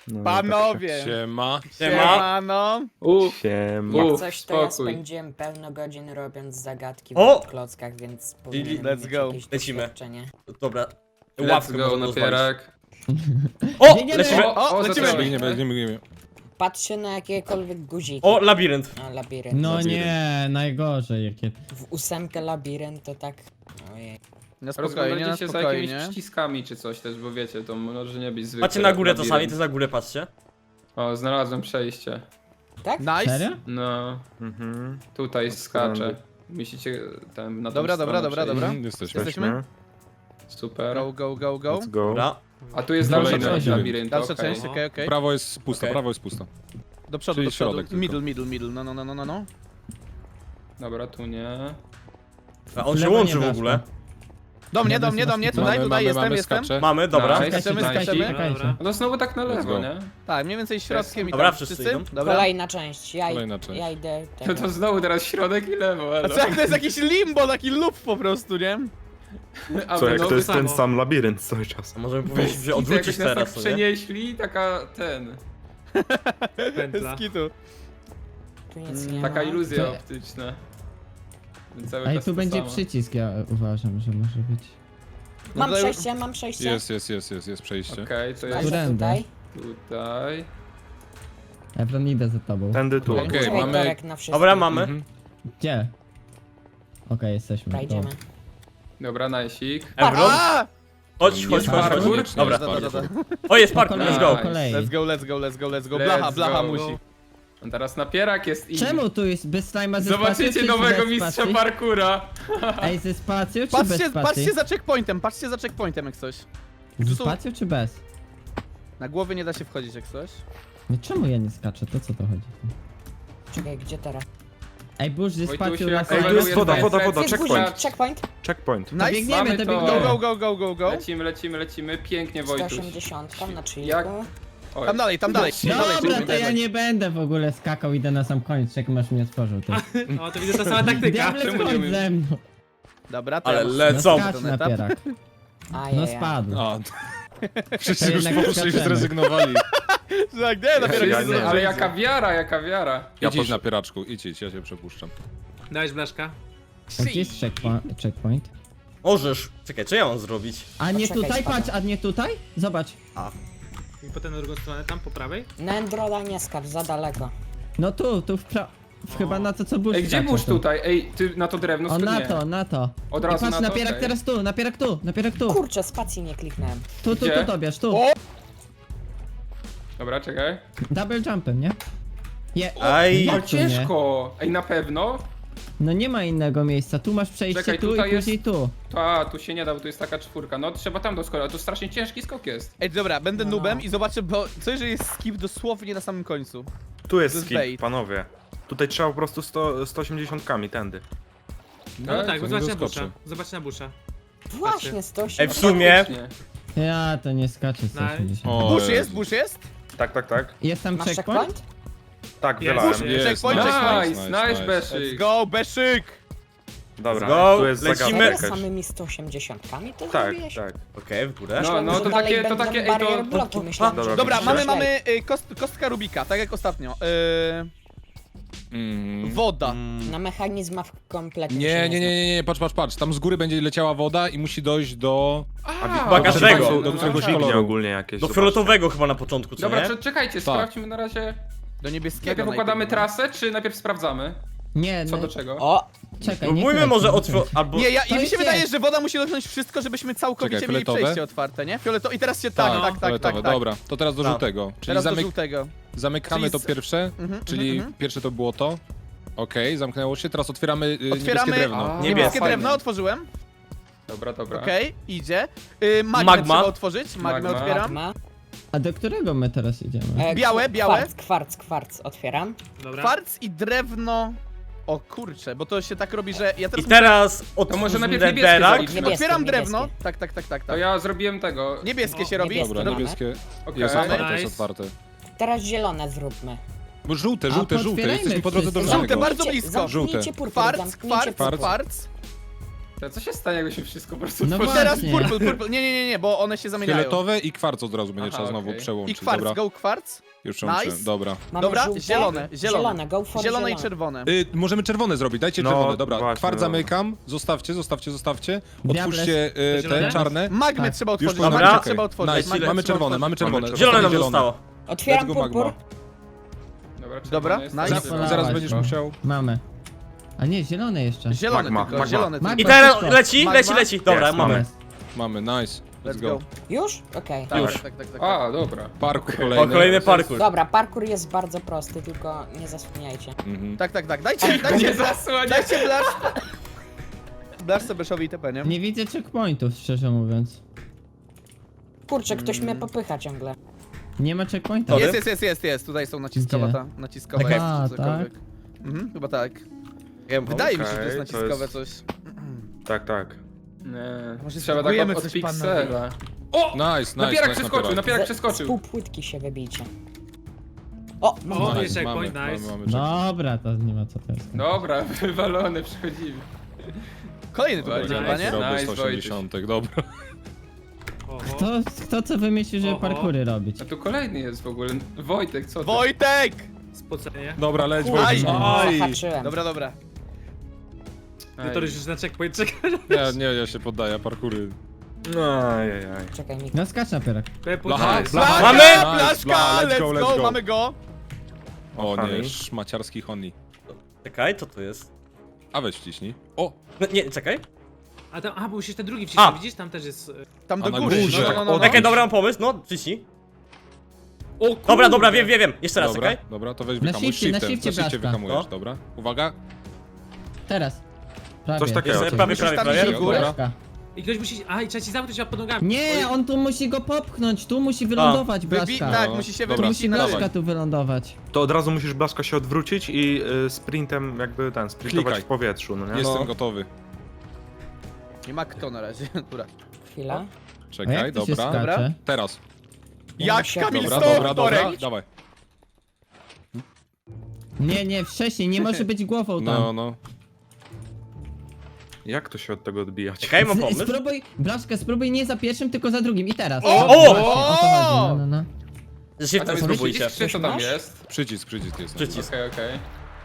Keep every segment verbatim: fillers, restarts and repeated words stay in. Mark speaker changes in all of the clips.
Speaker 1: No,
Speaker 2: Panowie!
Speaker 3: Siema.
Speaker 2: Siemano!
Speaker 4: Uff,
Speaker 1: Siema.
Speaker 4: Uff,
Speaker 5: Coś to ja
Speaker 4: spokój.
Speaker 5: spędziłem pełno godzin robiąc zagadki
Speaker 6: O!
Speaker 5: w klockach, więc powinienem
Speaker 2: let's
Speaker 5: mieć
Speaker 2: go.
Speaker 5: jakieś
Speaker 6: Lecimy.
Speaker 5: doświadczenie.
Speaker 6: Dobra.
Speaker 4: let's
Speaker 6: Ławkę
Speaker 4: go,
Speaker 6: możemy rozwalić.
Speaker 4: napierak.
Speaker 6: O!
Speaker 7: Biegniemy.
Speaker 6: Lecimy!
Speaker 4: O, o,
Speaker 2: lecimy.
Speaker 4: lecimy.
Speaker 3: Biegniemy, biegniemy, biegniemy.
Speaker 5: Patrzę na jakiekolwiek guziki.
Speaker 6: O, labirynt.
Speaker 5: A, labirynt.
Speaker 7: No
Speaker 3: Labirynt.
Speaker 7: nie, najgorzej jakie.
Speaker 5: W ósemkę labirynt to tak... Ojej.
Speaker 2: Na spokojnie, na
Speaker 4: Rozglądajcie się za jakimiś
Speaker 2: spokojnie.
Speaker 4: przyciskami czy coś też, bo wiecie, to może nie być zwykłe.
Speaker 6: Patrzcie na górę czasami,
Speaker 4: labirynt.
Speaker 6: to za górę patrzcie.
Speaker 4: O, znalazłem przejście.
Speaker 5: Tak?
Speaker 2: Nice!
Speaker 7: Serio?
Speaker 4: No,
Speaker 1: Mhm.
Speaker 4: tutaj
Speaker 1: Od
Speaker 4: skaczę.
Speaker 1: strony.
Speaker 4: Musicie tam na tą
Speaker 2: Dobra, dobra,
Speaker 4: stronę
Speaker 2: dobra,
Speaker 4: przejść.
Speaker 2: dobra.
Speaker 3: Mhm, Jesteśmy.
Speaker 2: Jesteśmy?
Speaker 4: Super.
Speaker 2: Go, go, go, go.
Speaker 1: Let's go.
Speaker 6: Dobra.
Speaker 4: A tu jest
Speaker 3: Kolejny
Speaker 4: dalsza część
Speaker 3: labirynt.
Speaker 4: labiryntu,
Speaker 2: Dalsza
Speaker 4: okej.
Speaker 2: część, okej, okej.
Speaker 3: Prawo jest pusto,
Speaker 6: Okej.
Speaker 3: prawo jest pusto.
Speaker 2: Do przodu,
Speaker 3: Czyli
Speaker 2: do przodu.
Speaker 3: środek tylko.
Speaker 2: Middle, middle, middle, no, no, no, no, no, no.
Speaker 4: Dobra, tu nie.
Speaker 6: A on się
Speaker 7: Lewo
Speaker 6: łączy
Speaker 7: nie
Speaker 6: w
Speaker 7: weszło.
Speaker 6: ogóle.
Speaker 2: Do mnie, do mnie, do mnie, tutaj,
Speaker 3: Mamy,
Speaker 2: tutaj
Speaker 3: mamy,
Speaker 2: jestem,
Speaker 3: mamy,
Speaker 2: jestem.
Speaker 3: skacze.
Speaker 6: Mamy, dobra.
Speaker 4: Nice.
Speaker 2: Skaczemy,
Speaker 4: Nice.
Speaker 2: skaczemy.
Speaker 7: Czekajcie.
Speaker 4: No to znowu tak na
Speaker 3: Let's
Speaker 4: lewo,
Speaker 3: go.
Speaker 4: nie?
Speaker 2: Tak, mniej więcej środkiem i
Speaker 6: Dobra,
Speaker 2: tam.
Speaker 6: wszyscy
Speaker 2: Wszyscy?
Speaker 6: idą.
Speaker 2: Dobra.
Speaker 5: Kolejna część. Ja,
Speaker 3: Kolejna część.
Speaker 5: ja idę...
Speaker 4: To,
Speaker 5: Tego.
Speaker 4: to znowu teraz środek i lewo,
Speaker 2: A
Speaker 4: elo.
Speaker 2: co jak to jest jakiś limbo, taki loop po prostu, nie?
Speaker 4: A
Speaker 1: Co,
Speaker 4: wy
Speaker 1: jak
Speaker 4: no,
Speaker 1: to jest
Speaker 4: wy
Speaker 1: ten
Speaker 4: samo.
Speaker 1: sam labirynt cały czas.
Speaker 6: A możemy powiedzieć, że
Speaker 4: I to
Speaker 6: odwrócić
Speaker 4: jakoś nas tak
Speaker 6: teraz, no nie?
Speaker 4: przenieśli, taka ten,
Speaker 2: Z kitu.
Speaker 5: Tu nic
Speaker 2: Mm,
Speaker 5: nie
Speaker 4: taka
Speaker 5: ma.
Speaker 4: iluzja
Speaker 7: To-
Speaker 4: optyczna. Cały
Speaker 7: Ej,
Speaker 4: czas
Speaker 7: tu
Speaker 4: to
Speaker 7: będzie
Speaker 4: samo.
Speaker 7: przycisk, ja uważam, że może być.
Speaker 5: Mam
Speaker 2: No tutaj-
Speaker 5: przejście, mam przejście.
Speaker 3: Jest, jest, jest, jest, jest przejście.
Speaker 4: Okej, to
Speaker 5: A
Speaker 4: jest
Speaker 5: że
Speaker 7: Którędy?
Speaker 5: tutaj?
Speaker 4: tutaj.
Speaker 7: Ebron, idę za tobą.
Speaker 1: Tędy tu.
Speaker 2: Okej.
Speaker 3: Okej,
Speaker 5: Czekaj,
Speaker 3: mamy...
Speaker 5: Torek na wszystkich.
Speaker 6: Dobra, mamy.
Speaker 3: Mhm.
Speaker 7: Gdzie? Okej, jesteśmy.
Speaker 5: Dobra, idziemy.
Speaker 4: Dobra, najsik.
Speaker 6: Ebron.
Speaker 2: A!
Speaker 6: Chodź, chodź, chodź, chodź.
Speaker 4: Parkour?
Speaker 6: Dobra.
Speaker 2: Da, da, da, da.
Speaker 6: O, jest
Speaker 7: Po
Speaker 6: parkour,
Speaker 7: kolei,
Speaker 6: let's go.
Speaker 7: po kolei.
Speaker 2: Let's go, let's go, let's go, let's go.
Speaker 4: Let's
Speaker 2: Blacha, blacha
Speaker 4: go.
Speaker 2: musi.
Speaker 4: A teraz napierak jest i...
Speaker 7: Czemu tu jest bez slajma ze spacją,
Speaker 4: Zobaczycie
Speaker 7: czy
Speaker 4: nowego
Speaker 7: bez
Speaker 4: mistrza
Speaker 7: spacji?
Speaker 4: parkura.
Speaker 7: Ej, ze spacją czy bez
Speaker 2: Patrzcie,
Speaker 7: spacji?
Speaker 2: patrzcie za checkpointem, patrzcie za checkpointem jak coś.
Speaker 7: Ze
Speaker 2: tu są-
Speaker 7: spacją czy bez?
Speaker 2: Na głowy nie da się wchodzić jak coś.
Speaker 7: No czemu ja nie skaczę? To co to chodzi?
Speaker 5: Czekaj, gdzie teraz?
Speaker 7: Ej, burz, ze
Speaker 4: Wojtusiu,
Speaker 7: spacją
Speaker 4: jak
Speaker 7: na
Speaker 1: Ej, tu jest
Speaker 7: slajmie.
Speaker 1: woda, woda, woda,
Speaker 5: Jest
Speaker 1: checkpoint.
Speaker 5: guzik, checkpoint.
Speaker 1: Checkpoint.
Speaker 7: To
Speaker 2: Nice,
Speaker 7: biegniemy,
Speaker 4: mamy
Speaker 7: to
Speaker 4: to.
Speaker 7: biegniemy.
Speaker 2: Go, go, go, go, go.
Speaker 4: Lecimy, lecimy, lecimy. Pięknie, Wojtuś.
Speaker 5: sto osiemdziesiąt na chillku.
Speaker 4: Jak- Oj.
Speaker 2: Tam dalej, tam dalej. tam dalej,
Speaker 7: Dobra,
Speaker 2: tam
Speaker 7: to ja
Speaker 2: dalej.
Speaker 7: nie będę w ogóle skakał, idę na sam koniec, czekam aż mnie otworzył. Ty.
Speaker 8: No to widzę, to sama taktyka.
Speaker 7: Diable,
Speaker 4: czemu nie
Speaker 7: chodź
Speaker 4: umiesz?
Speaker 7: ze mną.
Speaker 2: Dobra, to
Speaker 6: Ale
Speaker 2: ja muszę-
Speaker 7: No
Speaker 6: lecą.
Speaker 7: skacz
Speaker 2: Ten
Speaker 7: na
Speaker 2: etap.
Speaker 7: pierak. No
Speaker 5: Ajajaj.
Speaker 7: spadł.
Speaker 3: A, wszyscy już
Speaker 7: jednak
Speaker 3: poszli i
Speaker 7: skaczemy.
Speaker 3: zrezygnowali.
Speaker 2: Tak, nie, dopiero
Speaker 1: Ja
Speaker 2: się
Speaker 1: nie.
Speaker 4: Ale jaka wiara, jaka wiara.
Speaker 3: Ja
Speaker 1: Ja
Speaker 3: idź
Speaker 1: posz-
Speaker 3: na pieraczku, idź, idź, ja cię przepuszczam.
Speaker 8: Dałeś blaszka?
Speaker 7: A gdzie jest checkpoint? checkpoint?
Speaker 6: Możesz. Czekaj, co ja mam zrobić?
Speaker 7: A nie
Speaker 5: Poczekaj,
Speaker 7: tutaj,
Speaker 5: spadam.
Speaker 7: patrz, a nie tutaj? Zobacz.
Speaker 8: I potem na drugą stronę, tam po prawej?
Speaker 5: Na Endrola nie skacz, za daleko.
Speaker 7: No tu, tu w pra... w chyba na to co burz
Speaker 4: Ej, gdzie
Speaker 7: skacze
Speaker 4: burz
Speaker 7: tu.
Speaker 4: tutaj? Ej, ty na to drewno
Speaker 7: O,
Speaker 4: czy
Speaker 7: na
Speaker 4: nie?
Speaker 7: to, na to.
Speaker 4: Od
Speaker 7: I
Speaker 4: razu
Speaker 7: patrz,
Speaker 4: na to?
Speaker 7: napierak
Speaker 4: Okej.
Speaker 7: teraz tu, napierak tu, napierak tu.
Speaker 5: Kurczę, spacji nie kliknąłem.
Speaker 7: Tu, tu,
Speaker 4: Gdzie?
Speaker 7: tu, Tobiasz, tu.
Speaker 2: O!
Speaker 4: Dobra, czekaj.
Speaker 7: Double jumpem, nie? Je...
Speaker 6: Aj.
Speaker 7: Jak
Speaker 4: No
Speaker 7: tu nie?
Speaker 4: ciężko. Ej, na pewno?
Speaker 7: No nie ma innego miejsca, tu masz przejście
Speaker 4: Czekaj,
Speaker 7: tu
Speaker 4: tutaj
Speaker 7: i później tu.
Speaker 4: To, a, tu się nie da, bo tu jest taka czwórka. No trzeba tam doskoczyć, to strasznie ciężki skok jest.
Speaker 2: Ej, dobra, będę
Speaker 5: No.
Speaker 2: nubem i zobaczę, bo co jeżeli jest skip dosłownie na samym końcu?
Speaker 1: Tu
Speaker 2: To
Speaker 1: jest
Speaker 2: jest
Speaker 1: skip,
Speaker 2: bait.
Speaker 1: panowie. Tutaj trzeba po prostu sto, sto osiemdziesiątkami, tędy.
Speaker 8: No,
Speaker 4: Tak,
Speaker 8: tak,
Speaker 3: to nie
Speaker 8: zobacz na
Speaker 3: doskoczy.
Speaker 8: busza. Zobacz na busza.
Speaker 5: Właśnie, sto
Speaker 6: Ej,
Speaker 5: osiemdziesiąt.
Speaker 6: w sumie...
Speaker 4: Faktycznie.
Speaker 7: Ja to nie skaczę sto osiemdziesiąt.
Speaker 3: O,
Speaker 2: Bush
Speaker 3: Jezu.
Speaker 2: jest, bush jest?
Speaker 1: Tak, tak, tak.
Speaker 7: Jest tam
Speaker 5: Masz
Speaker 7: checkpoint?
Speaker 5: checkpoint?
Speaker 1: Tak,
Speaker 8: Jest.
Speaker 1: wylałem.
Speaker 8: Jest.
Speaker 2: Checkpoint,
Speaker 4: Nice,
Speaker 2: checkpoint.
Speaker 4: nice, nice,
Speaker 2: Let's
Speaker 4: Beszyk.
Speaker 2: go, Beszyk!
Speaker 1: Dobra,
Speaker 6: Go,
Speaker 1: tu jest
Speaker 6: lecimy.
Speaker 1: zagadka
Speaker 5: Serio,
Speaker 1: jakaś.
Speaker 5: samymi sto osiemdziesiątkami to
Speaker 1: Tak,
Speaker 5: zrobiłeś?
Speaker 1: tak.
Speaker 6: Okej, w górę.
Speaker 4: No,
Speaker 5: Myślałem,
Speaker 4: no
Speaker 5: że
Speaker 4: to
Speaker 5: dalej
Speaker 4: takie, to
Speaker 5: będą
Speaker 4: takie, ej
Speaker 5: barrier
Speaker 4: to...
Speaker 5: bloki, myślałem,
Speaker 1: Dobra,
Speaker 5: że
Speaker 2: Dobra,
Speaker 5: będzie
Speaker 2: mamy,
Speaker 5: źle.
Speaker 2: mamy y, kost, kostka Rubika, tak jak ostatnio. Y,
Speaker 3: Mm.
Speaker 2: woda.
Speaker 6: Mm,
Speaker 5: Na mechanizmach kompletnie się
Speaker 3: Nie, nie, nie,
Speaker 5: znam.
Speaker 3: nie, nie, patrz, patrz, patrz. Tam z góry będzie leciała woda i musi dojść do...
Speaker 4: A,
Speaker 6: Chyba każdego.
Speaker 4: no,
Speaker 3: Do
Speaker 4: no,
Speaker 3: któregoś
Speaker 4: no.
Speaker 3: koloru.
Speaker 1: Dźwignie ogólnie jakieś.
Speaker 6: Do
Speaker 1: zobaczcie.
Speaker 6: fioletowego chyba na początku, co
Speaker 4: Dobra,
Speaker 6: nie?
Speaker 4: cze- czekajcie, sprawdźmy na razie.
Speaker 2: Do niebieskiego
Speaker 4: Najpierw układamy
Speaker 2: najpierw,
Speaker 4: trasę, czy najpierw sprawdzamy?
Speaker 7: Nie,
Speaker 4: Co
Speaker 7: no,
Speaker 4: do czego?
Speaker 5: O,
Speaker 7: czekaj, nie
Speaker 6: Próbujmy
Speaker 7: klej,
Speaker 6: może
Speaker 7: nie
Speaker 6: otworzyć...
Speaker 7: klej.
Speaker 6: albo...
Speaker 2: Nie, ja, i
Speaker 7: To
Speaker 2: mi się
Speaker 7: jest
Speaker 2: wydaje,
Speaker 7: nie.
Speaker 2: że woda musi dotknąć wszystko, żebyśmy całkowicie
Speaker 3: Czekaj,
Speaker 2: mieli
Speaker 3: fioletowe?
Speaker 2: przejście otwarte, nie? Fioleto i teraz się tak,
Speaker 8: No,
Speaker 2: tak, tak, tak,
Speaker 3: Fioletowe,
Speaker 2: tak.
Speaker 3: dobra. To teraz do
Speaker 6: Tak.
Speaker 3: żółtego. Czyli
Speaker 2: Teraz do
Speaker 3: zamyk...
Speaker 2: żółtego.
Speaker 3: zamykamy
Speaker 2: Czyli
Speaker 3: to
Speaker 2: z-
Speaker 3: pierwsze,
Speaker 2: Mhm,
Speaker 3: czyli
Speaker 2: mhm, mhm.
Speaker 3: pierwsze to było to. Okej, zamknęło się, teraz otwieramy, y,
Speaker 2: Otwieramy
Speaker 3: niebieskie drewno.
Speaker 4: A,
Speaker 2: niebieskie
Speaker 4: fajne.
Speaker 2: drewno, otworzyłem.
Speaker 4: Dobra, dobra.
Speaker 2: Okej, idzie. Y, magmę
Speaker 6: Magma.
Speaker 2: trzeba otworzyć, magmę
Speaker 4: Magma.
Speaker 2: otwieram.
Speaker 5: magma.
Speaker 7: A do którego my teraz idziemy?
Speaker 5: E,
Speaker 2: Białe, białe.
Speaker 5: Kwarc, kwarc, kwarc, otwieram.
Speaker 8: Dobra.
Speaker 2: Kwarc i drewno. O kurczę, bo to się tak robi, że ja
Speaker 6: I
Speaker 2: teraz
Speaker 6: teraz
Speaker 4: To może
Speaker 6: otwórz
Speaker 4: najpierw niebieskie
Speaker 6: nederak.
Speaker 4: zrobić.
Speaker 5: Niebieskie,
Speaker 2: otwieram
Speaker 5: niebieskie.
Speaker 2: drewno. Tak, tak, tak, tak,
Speaker 4: To
Speaker 2: tak.
Speaker 4: ja zrobiłem tego.
Speaker 2: Niebieskie
Speaker 8: O,
Speaker 2: się robi.
Speaker 3: Dobra,
Speaker 5: Dobra.
Speaker 3: niebieskie
Speaker 4: Okej.
Speaker 3: jest otwarte,
Speaker 8: Nice.
Speaker 3: jest otwarte.
Speaker 5: Teraz zielone zróbmy.
Speaker 3: Bo żółte,
Speaker 7: A,
Speaker 3: żółte, żółte,
Speaker 7: potwierajmy
Speaker 3: jesteśmy po drodze do
Speaker 7: wszystko.
Speaker 2: Żółte,
Speaker 3: żółtego.
Speaker 2: bardzo blisko.
Speaker 5: Zamknijcie
Speaker 3: Żółte.
Speaker 5: purpur,
Speaker 2: Kwarc,
Speaker 5: zamknijcie
Speaker 2: kwarc,
Speaker 5: purpur.
Speaker 2: kwarc.
Speaker 4: To co się stanie, jakby się wszystko po prostu
Speaker 7: No
Speaker 4: otworzyło?
Speaker 2: Teraz
Speaker 7: Właśnie.
Speaker 2: purple, purple. Nie, nie, nie, nie, bo one się zamieniają.
Speaker 3: Fioletowe i kwarc od razu będzie
Speaker 4: Aha,
Speaker 3: trzeba znowu
Speaker 4: okej.
Speaker 2: I
Speaker 3: przełączyć.
Speaker 2: kwarc,
Speaker 3: Dobra,
Speaker 2: go kwarc.
Speaker 3: już przełączyłem.
Speaker 2: Nice.
Speaker 3: Dobra.
Speaker 5: Mamy
Speaker 2: Dobra,
Speaker 5: żółte,
Speaker 2: zielone, zielone.
Speaker 5: Zielone, go for
Speaker 2: Zielone i
Speaker 5: zielone.
Speaker 2: czerwone.
Speaker 3: Y, możemy czerwone zrobić, dajcie
Speaker 1: No,
Speaker 3: czerwone, dobra.
Speaker 1: właśnie,
Speaker 3: Kwarc
Speaker 1: dobra.
Speaker 3: zamykam, zostawcie, zostawcie, zostawcie.
Speaker 7: Diables.
Speaker 3: Otwórzcie y,
Speaker 8: Zielone?
Speaker 3: te czarne.
Speaker 2: Magmy
Speaker 7: Tak.
Speaker 2: trzeba
Speaker 3: Już
Speaker 2: otworzyć,
Speaker 3: po
Speaker 6: Dobra.
Speaker 2: magmy
Speaker 3: Okej.
Speaker 2: trzeba otworzyć.
Speaker 3: Nice,
Speaker 2: magmy
Speaker 3: mamy
Speaker 2: trzeba
Speaker 3: czerwone,
Speaker 2: otworzyć.
Speaker 3: mamy czerwone.
Speaker 1: Zielone
Speaker 6: Zielone nam
Speaker 3: Zielone.
Speaker 6: zostało.
Speaker 5: Otwieram
Speaker 3: Let's go,
Speaker 5: purpur.
Speaker 3: Magma.
Speaker 4: Dobra,
Speaker 2: Dobra,
Speaker 4: czerwone jest
Speaker 2: nice.
Speaker 4: teraz.
Speaker 7: Polała
Speaker 3: Zaraz
Speaker 7: się.
Speaker 3: będziesz musiał.
Speaker 7: Mamy. A nie, zielone jeszcze.
Speaker 2: Zielone
Speaker 1: Magma,
Speaker 2: tylko,
Speaker 1: magma.
Speaker 2: zielone
Speaker 7: Magma.
Speaker 6: I
Speaker 2: tylko.
Speaker 6: teraz
Speaker 7: wszystko.
Speaker 6: leci,
Speaker 2: Magma?
Speaker 6: leci, leci. Dobra,
Speaker 1: Jest,
Speaker 6: mamy.
Speaker 7: Jest.
Speaker 3: Mamy, nice.
Speaker 2: Let's go.
Speaker 5: Już? Okej.
Speaker 2: Tak,
Speaker 6: Już.
Speaker 2: tak, tak, tak, tak.
Speaker 4: A, dobra.
Speaker 3: Parkour
Speaker 6: O,
Speaker 3: kolejny.
Speaker 6: kolejny parkour.
Speaker 5: Dobra, parkour jest bardzo prosty, tylko nie zasłaniajcie.
Speaker 3: Mhm.
Speaker 2: Tak, tak, tak. Dajcie,
Speaker 4: Nie
Speaker 2: dajcie,
Speaker 4: zasłaniaj.
Speaker 2: dajcie blasz. Blasz sobie Beszowi I T P, nie?
Speaker 7: Nie widzę checkpointów, szczerze mówiąc.
Speaker 5: Kurczę, ktoś mnie popycha ciągle.
Speaker 7: Nie ma checkpointa.
Speaker 6: Sorry.
Speaker 2: Jest, jest, jest, jest, jest. Tutaj są naciskowe,
Speaker 7: Gdzie?
Speaker 2: ta, naciskowe.
Speaker 7: Okej.
Speaker 2: jest,
Speaker 7: A,
Speaker 2: czy cokolwiek.
Speaker 7: tak?
Speaker 2: Mhm, chyba tak.
Speaker 6: Wiem,
Speaker 2: Wydaje mi się, że to
Speaker 1: Okej,
Speaker 2: jest
Speaker 1: to
Speaker 2: naciskowe
Speaker 1: jest-
Speaker 2: coś.
Speaker 1: Tak, tak.
Speaker 4: Nie.
Speaker 2: Może
Speaker 4: Trzeba tak
Speaker 2: spróbujemy
Speaker 4: od, od
Speaker 2: coś,
Speaker 4: piksela. O!
Speaker 3: Nice, nice,
Speaker 4: Napierak
Speaker 3: nice,
Speaker 4: przeskoczył,
Speaker 3: napierak.
Speaker 4: napierak
Speaker 5: Z
Speaker 4: przeskoczył.
Speaker 5: pół płytki się wybijcie. O, mam
Speaker 8: O,
Speaker 5: nice.
Speaker 8: jest checkpoint,
Speaker 3: mamy,
Speaker 8: nice.
Speaker 3: mamy, mamy checkpoint.
Speaker 7: Dobra, to nie ma co to jest.
Speaker 4: Dobra, wywalony, przychodzimy.
Speaker 2: Kolejny tu
Speaker 4: Ładnie.
Speaker 2: będzie chyba, nie?
Speaker 3: Robię
Speaker 4: Nice,
Speaker 3: sto osiemdziesiąt, dobra.
Speaker 8: Oho.
Speaker 7: Kto, kto co wymyślił, żeby
Speaker 8: Oho.
Speaker 7: parkury robić?
Speaker 4: A tu kolejny jest w ogóle. Wojtek, co ty?
Speaker 2: Wojtek!
Speaker 8: Spocenie.
Speaker 3: Dobra, leć,
Speaker 5: Kurde,
Speaker 3: Wojtek.
Speaker 2: Aj.
Speaker 5: zahaczyłem.
Speaker 2: Dobra, dobra.
Speaker 4: Ej.
Speaker 8: No to już na checkpoint czeka.
Speaker 3: Nie, nie, ja się poddaję, parkury.
Speaker 1: Ajajaj.
Speaker 5: Czekaj, Miko.
Speaker 7: No skacz na pierak.
Speaker 3: Blacha,
Speaker 8: Nice.
Speaker 3: blacha.
Speaker 2: Mamy!
Speaker 3: Nice,
Speaker 2: Blaszka!
Speaker 3: bla, let's
Speaker 2: Let's
Speaker 3: go,
Speaker 2: go,
Speaker 3: let's go.
Speaker 2: mamy go!
Speaker 3: O nie,
Speaker 1: Honey.
Speaker 3: szmaciarski honey.
Speaker 6: Czekaj, co to jest?
Speaker 3: A weź wciśnij. O,
Speaker 6: No, nie, czekaj.
Speaker 8: A tam, a, bo musisz ten drugi
Speaker 6: A.
Speaker 8: wcisnąć, widzisz? Tam też jest... e,
Speaker 2: Tam
Speaker 3: A
Speaker 2: do
Speaker 3: na
Speaker 2: góry.
Speaker 3: górze.
Speaker 2: No, no, no, no.
Speaker 6: Czekaj, dobra, mam pomysł, no, przyciśnij.
Speaker 8: O kurde.
Speaker 6: Dobra, dobra, wiem, wiem, wiem. Jeszcze raz,
Speaker 3: dobra,
Speaker 6: czekaj.
Speaker 3: dobra, to weź
Speaker 7: Na
Speaker 3: wyhamuj.
Speaker 7: shifcie, na
Speaker 3: Shiftem,
Speaker 7: shifcie,
Speaker 3: na shifcie
Speaker 7: Blaszka.
Speaker 3: wyhamujesz,
Speaker 6: No.
Speaker 3: dobra. Uwaga.
Speaker 7: Teraz. Prawie.
Speaker 1: Coś takiego.
Speaker 6: Jeszcze
Speaker 1: Musisz
Speaker 6: prawie,
Speaker 2: musisz
Speaker 6: prawie,
Speaker 2: tam
Speaker 6: prawie.
Speaker 2: iść w górę.
Speaker 7: Blaszka.
Speaker 8: I ktoś musi... A, i trzeba ci zamknąć pod nogami.
Speaker 7: Nie, on tu musi go popchnąć, tu musi wylądować
Speaker 2: Wybi-
Speaker 7: Blaszka.
Speaker 2: tak,
Speaker 3: No,
Speaker 2: musi się
Speaker 3: dobra.
Speaker 2: wybić
Speaker 7: Musi
Speaker 2: inaczej.
Speaker 7: Blaszka tu wylądować.
Speaker 1: To od razu musisz blaszka się odwrócić i y, sprintem jakby ten, sprintować
Speaker 3: Klikaj.
Speaker 1: w powietrzu, no nie?
Speaker 3: Jestem
Speaker 6: No.
Speaker 3: gotowy.
Speaker 2: Nie ma kto na razie. Dobra.
Speaker 5: Chwila.
Speaker 7: A
Speaker 3: Czekaj,
Speaker 7: jak to się
Speaker 3: dobra.
Speaker 7: skacze?
Speaker 3: Teraz.
Speaker 2: Jak
Speaker 5: się-
Speaker 2: Kamil
Speaker 3: Dobra,
Speaker 2: Stoch,
Speaker 3: dobra, dobra.
Speaker 2: Torek!
Speaker 3: Dawaj.
Speaker 7: Nie, nie, wcześniej, nie może być głową tam.
Speaker 3: No, no.
Speaker 1: Jak to się od tego odbijać?
Speaker 6: Czekaj, mam
Speaker 7: Z-
Speaker 6: pomysł.
Speaker 7: Spróbuj, Blaszka, spróbuj nie za pierwszym, tylko za drugim. I teraz.
Speaker 2: O!
Speaker 7: Właśnie, o to chodzi, no, no, no.
Speaker 4: A
Speaker 6: Shiftem
Speaker 4: tam jest
Speaker 6: spróbujcie.
Speaker 4: przycisk, czy co tam
Speaker 5: Masz?
Speaker 4: jest?
Speaker 3: Przycisk, przycisk jest.
Speaker 6: Przycisk.
Speaker 4: Okej, okej.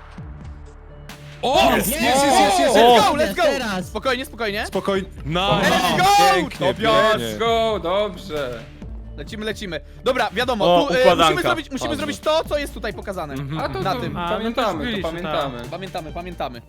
Speaker 3: O!
Speaker 7: Jest,
Speaker 3: Jest, jest, jest, jest!
Speaker 2: Let's
Speaker 6: O!
Speaker 2: go, let's go!
Speaker 7: Teraz.
Speaker 2: Spokojnie, spokojnie.
Speaker 3: Spokojnie. No,
Speaker 2: Let's go!
Speaker 3: pięknie,
Speaker 2: Tobiasz,
Speaker 3: pięknie.
Speaker 4: Let's go, dobrze.
Speaker 2: Lecimy, lecimy. Dobra, wiadomo,
Speaker 6: O,
Speaker 2: tu, e,
Speaker 6: układanka.
Speaker 2: musimy, zrobić, musimy
Speaker 3: Dobrze.
Speaker 2: zrobić to, co jest tutaj pokazane.
Speaker 4: A to,
Speaker 2: Na
Speaker 4: to
Speaker 2: tym.
Speaker 8: A, no to
Speaker 4: pamiętamy, to
Speaker 8: byliśmy,
Speaker 4: pamiętamy.
Speaker 2: Pamiętamy, pamiętamy.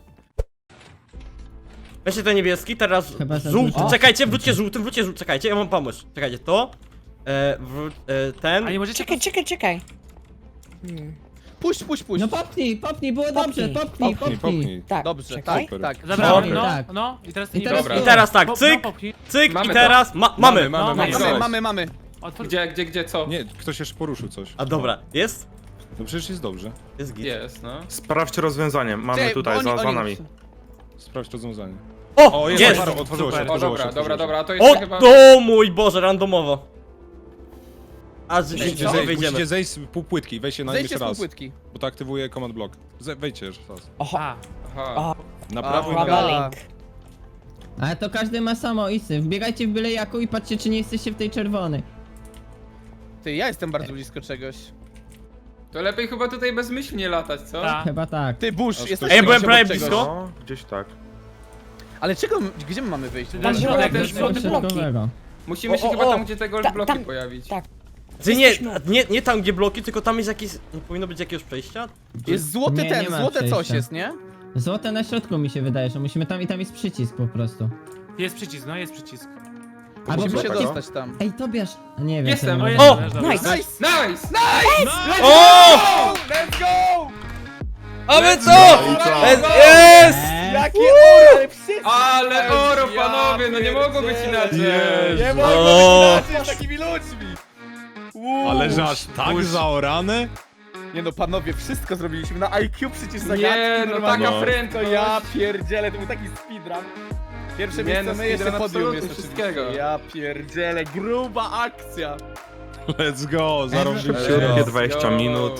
Speaker 6: Weźcie ten niebieski, teraz
Speaker 7: Chyba za
Speaker 6: żółty.
Speaker 7: dużo.
Speaker 6: Czekajcie, wróćcie żółtym, wróćcie żółtym. Czekajcie, ja mam pomysł. Czekajcie, to. E, wró- e, ten.
Speaker 8: A nie możecie...
Speaker 5: Czekaj, czekaj, czekaj. Hmm.
Speaker 2: Puść, puść, puść.
Speaker 7: No popchnij, popchnij, było dobrze,
Speaker 5: Popchnij,
Speaker 7: popchnij,
Speaker 3: Popchnij,
Speaker 7: popchnij.
Speaker 3: popchnij.
Speaker 5: Tak,
Speaker 2: Dobrze,
Speaker 5: czekaj.
Speaker 2: tak, tak.
Speaker 8: Zabrałem,
Speaker 6: Dobra.
Speaker 8: no,
Speaker 7: Tak.
Speaker 8: no. I teraz ty
Speaker 7: I
Speaker 8: nie
Speaker 7: teraz
Speaker 8: dobra.
Speaker 6: I teraz tak,
Speaker 8: No,
Speaker 6: cyk,
Speaker 8: no, popchnij.
Speaker 6: cyk
Speaker 4: Mamy
Speaker 6: i
Speaker 4: to.
Speaker 6: teraz ma mamy.
Speaker 3: Mamy, mamy,
Speaker 8: No,
Speaker 3: mamy.
Speaker 8: nice.
Speaker 2: Mamy,
Speaker 3: Mamy,
Speaker 2: mamy, mamy.
Speaker 8: Otwórz.
Speaker 4: Gdzie, gdzie, gdzie, co?
Speaker 3: Nie, ktoś jeszcze poruszył coś.
Speaker 6: A dobra, jest?
Speaker 3: No przecież jest dobrze.
Speaker 6: Jest git.
Speaker 4: Jest, no.
Speaker 1: Sprawdźcie rozwiązanie, mamy
Speaker 2: Czekaj,
Speaker 1: tutaj,
Speaker 2: bo
Speaker 1: za,
Speaker 2: oni-
Speaker 1: za
Speaker 2: oni-
Speaker 1: nami.
Speaker 3: Sprawdź rozwiązanie.
Speaker 6: O,
Speaker 3: O, jest,
Speaker 6: jest!
Speaker 3: otwarło- otworzyło się,
Speaker 8: Super.
Speaker 4: O,
Speaker 3: otworzyło
Speaker 4: dobra,
Speaker 3: się.
Speaker 4: dobra,
Speaker 3: otworzyło się.
Speaker 4: dobra, to jest
Speaker 6: O,
Speaker 4: chyba...
Speaker 6: do mój Boże, randomowo. A z
Speaker 3: Musicie
Speaker 6: co?
Speaker 3: zejść,
Speaker 6: Wyjdziemy.
Speaker 3: musicie zejść z pół płytki i wejście na
Speaker 2: Zejdźcie
Speaker 3: jeszcze
Speaker 2: z
Speaker 3: raz.
Speaker 2: półpłytki.
Speaker 3: Bo to aktywuje command block. Ze wejdźcie jeszcze raz.
Speaker 8: A,
Speaker 4: Aha.
Speaker 3: Na prawo i na
Speaker 5: Uwaga,
Speaker 3: lewo.
Speaker 5: link.
Speaker 7: Ale to każdy ma samoistny. Wbiegajcie w byle jaką i patrzcie, czy nie jesteście w tej czerwonej.
Speaker 2: Ty, ja jestem bardzo blisko czegoś.
Speaker 4: To lepiej chyba tutaj bezmyślnie latać, co?
Speaker 8: ta.
Speaker 7: Chyba tak.
Speaker 2: Ty, Bush,
Speaker 3: Aż
Speaker 2: jesteś
Speaker 3: Ej,
Speaker 6: byłem
Speaker 2: obok
Speaker 6: prawie
Speaker 2: czegoś.
Speaker 6: blisko.
Speaker 1: No, gdzieś tak.
Speaker 2: Ale czego, gdzie my mamy wyjść?
Speaker 8: Tam
Speaker 5: Tam
Speaker 8: Tam
Speaker 5: było
Speaker 8: środek,
Speaker 5: jakieś
Speaker 8: ten
Speaker 5: złote bloki.
Speaker 7: Środkowego.
Speaker 4: Musimy się
Speaker 6: O, o,
Speaker 4: chyba
Speaker 6: o.
Speaker 4: tam, gdzie te gold
Speaker 5: Ta-
Speaker 4: bloki
Speaker 5: tam-
Speaker 4: pojawić.
Speaker 5: tak.
Speaker 6: Ty nie,
Speaker 5: Jesteśmy-
Speaker 6: nie, nie tam gdzie bloki, tylko tam jest jakieś. Nie powinno być jakiegoś przejścia?
Speaker 2: Jest złoty
Speaker 7: Nie, nie
Speaker 2: ten,
Speaker 7: ma
Speaker 2: złote coś
Speaker 7: przejścia.
Speaker 2: jest, nie?
Speaker 7: Złote na środku mi się wydaje, że musimy tam i tam jest przycisk po prostu.
Speaker 8: Jest przycisk, no jest przycisk.
Speaker 7: Albo
Speaker 2: Musimy się
Speaker 1: tego?
Speaker 2: dostać tam.
Speaker 7: Ej, Tobiasz! A nie wiem.
Speaker 4: Jestem,
Speaker 7: co
Speaker 4: o,
Speaker 7: nie
Speaker 8: jest,
Speaker 6: O!
Speaker 8: też dobra.
Speaker 5: Nice.
Speaker 2: Nice!
Speaker 4: Nice! Nice!
Speaker 6: O!
Speaker 2: Let's go!
Speaker 6: A my co?
Speaker 4: go!
Speaker 6: Jest! jest!
Speaker 7: Eee,
Speaker 2: Jakie oro, ale wszyscy!
Speaker 4: Ale oro,
Speaker 2: Ja
Speaker 4: panowie, no nie mogło być
Speaker 2: pierdzielę.
Speaker 4: inaczej!
Speaker 2: Nie
Speaker 3: O!
Speaker 2: mogło być inaczej z takimi ludźmi! Uuu.
Speaker 3: Ale że aż tak zaorane?
Speaker 2: Nie no, panowie, wszystko zrobiliśmy na I Q przecież zagadki
Speaker 4: Nie, no
Speaker 2: normalnie.
Speaker 4: taka
Speaker 3: No.
Speaker 2: To
Speaker 4: prędkość!
Speaker 2: ja pierdzielę, to był taki speedrun. Pierwsze
Speaker 4: Nie,
Speaker 2: miejsce,
Speaker 4: no,
Speaker 2: my jeszcze
Speaker 4: speedrun
Speaker 2: podium
Speaker 4: absolutnie
Speaker 2: jest
Speaker 4: wszystkiego.
Speaker 2: oczywiście. Ja pierdzielę, gruba akcja.
Speaker 3: Let's go, zarąbiliście.
Speaker 1: Szybkie
Speaker 4: Let's
Speaker 1: dwadzieścia
Speaker 4: go.
Speaker 1: minut.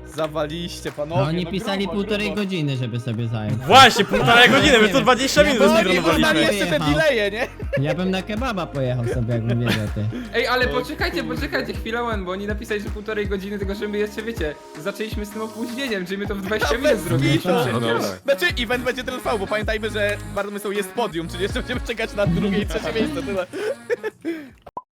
Speaker 2: Zawaliście, panowie.
Speaker 7: No oni
Speaker 2: no
Speaker 7: pisali
Speaker 2: grubo,
Speaker 7: półtorej
Speaker 2: grubo.
Speaker 7: godziny, żeby sobie zająć.
Speaker 6: Właśnie, półtorej godziny, my to dwadzieścia minut
Speaker 2: No oni
Speaker 6: zmarnowaliśmy.
Speaker 2: podali jeszcze te
Speaker 7: Jechał.
Speaker 2: delaye, nie?
Speaker 7: Ja bym na kebaba pojechał sobie, jakbym wiedział ty.
Speaker 4: Ej, ale poczekajcie, poczekajcie chwilę, bo oni napisali, że półtorej godziny, tylko że my jeszcze, wiecie, zaczęliśmy z tym opóźnieniem, czyli my to w dwadzieścia minut
Speaker 2: Bez
Speaker 4: zrobiliśmy
Speaker 2: kitu.
Speaker 4: przecież.
Speaker 1: No dobra.
Speaker 2: Znaczy, event będzie trwał, bo pamiętajmy, że bardzo są jest podium, czyli jeszcze będziemy czekać na drugie i trzecie miejsce, tyle.